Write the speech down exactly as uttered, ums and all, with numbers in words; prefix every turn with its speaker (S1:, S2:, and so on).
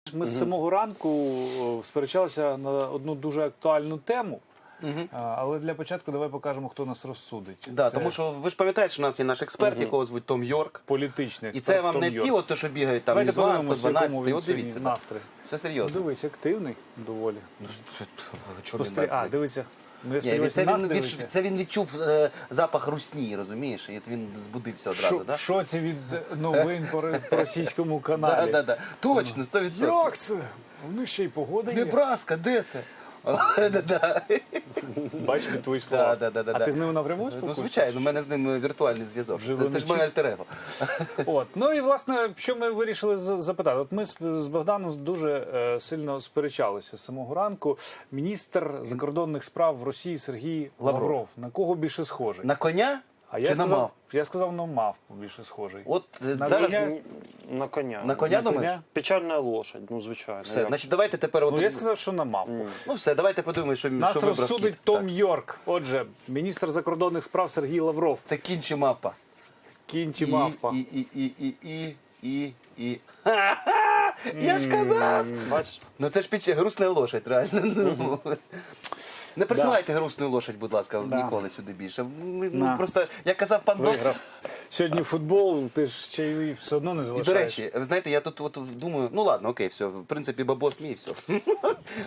S1: Ми з самого ранку е, сперечалися на одну дуже актуальну тему.
S2: Мгм.
S1: А, Але для початку давай покажемо, хто нас розсудить.
S2: Да,
S1: Це
S2: тому що ви ж пам'ятаєте, що у нас є наш експерт, якого звуть Том Йорк.
S1: політичний
S2: І
S1: експерт
S2: це вам
S1: Том
S2: не
S1: Йорк.
S2: ті, от, то, що бігають там
S1: Давайте
S2: із вас,
S1: подивимося,
S2: сто
S1: в якому
S2: дванадцять,
S1: він
S2: от
S1: сьогодні
S2: дивіться. да.
S1: настрій.
S2: Все серйозно.
S1: Дивись, активний доволі.
S2: Чому він
S1: Спостері- А,
S2: так?
S1: дивиться. Ну, я
S2: Ні, він-
S1: сподіваюся,
S2: це,
S1: нас
S2: він
S1: дивиться.
S2: відчув, це він відчув е, запах русні, розумієш? І от він збудився одразу,
S1: Шо-
S2: так?
S1: Що це від новин по ре- по російському
S2: Да,
S1: каналі?
S2: да, да. Точно, сто відсотків.
S1: Як це? У них ще й погода є.
S2: Небраска, де це? Да-да.
S1: Бач під твої слова.
S2: Да, да, да,
S1: А
S2: да.
S1: ти з ними напряму
S2: Ну,
S1: спілкуєшся?
S2: звичайно, у мене з ним віртуальний зв'язок.
S1: Живо
S2: Це, це ж
S1: не
S2: моє
S1: чути.
S2: альтер-его.
S1: От. Ну і власне, що ми вирішили з- запитати? От ми з, з Богданом дуже е, сильно сперечалися з самого ранку. Міністр закордонних справ в Росії Сергій Лавров.
S2: Лавров.
S1: На кого більше схожий?
S2: На коня
S1: а
S2: чи
S1: я
S2: на
S1: сказав,
S2: мав?
S1: я сказав, на мавпу більше схожий.
S2: От е,
S1: На
S2: зараз
S1: коня?
S3: На коня.
S2: на коня
S1: На
S2: думаєш?
S1: коня?
S3: Печальна лошадь, ну звичайно.
S2: Все,
S3: Як?
S2: значить, давайте тепер... От...
S1: Ну я сказав, що на мавпу.
S2: Ну все, давайте подумаємо, що,
S1: Нас
S2: що вибрав
S1: розсудить
S2: кіт.
S1: Том
S2: Так.
S1: Йорк. Отже, міністр закордонних справ Сергій Лавров.
S2: Це кінь чи мавпа?
S1: Кінь чи мавпа?
S2: І, і, і, і, і, і, і. Ха-ха! Я ж казав!
S3: Бачиш?
S2: Ну це ж піч... грустна лошадь, реально. Ну, не присилайте грустну лошадь, будь ласка,
S1: Да.
S2: ніколи сюди більше. Ми,
S1: На.
S2: ну, просто, як казав пан Док,
S1: Виграв. Сьогодні футбол, ти ж чайовий все одно не
S2: і,
S1: залишаєш.
S2: до речі, ви знаєте, я тут от, думаю, ну ладно, окей, все, в принципі, бабос мій, все.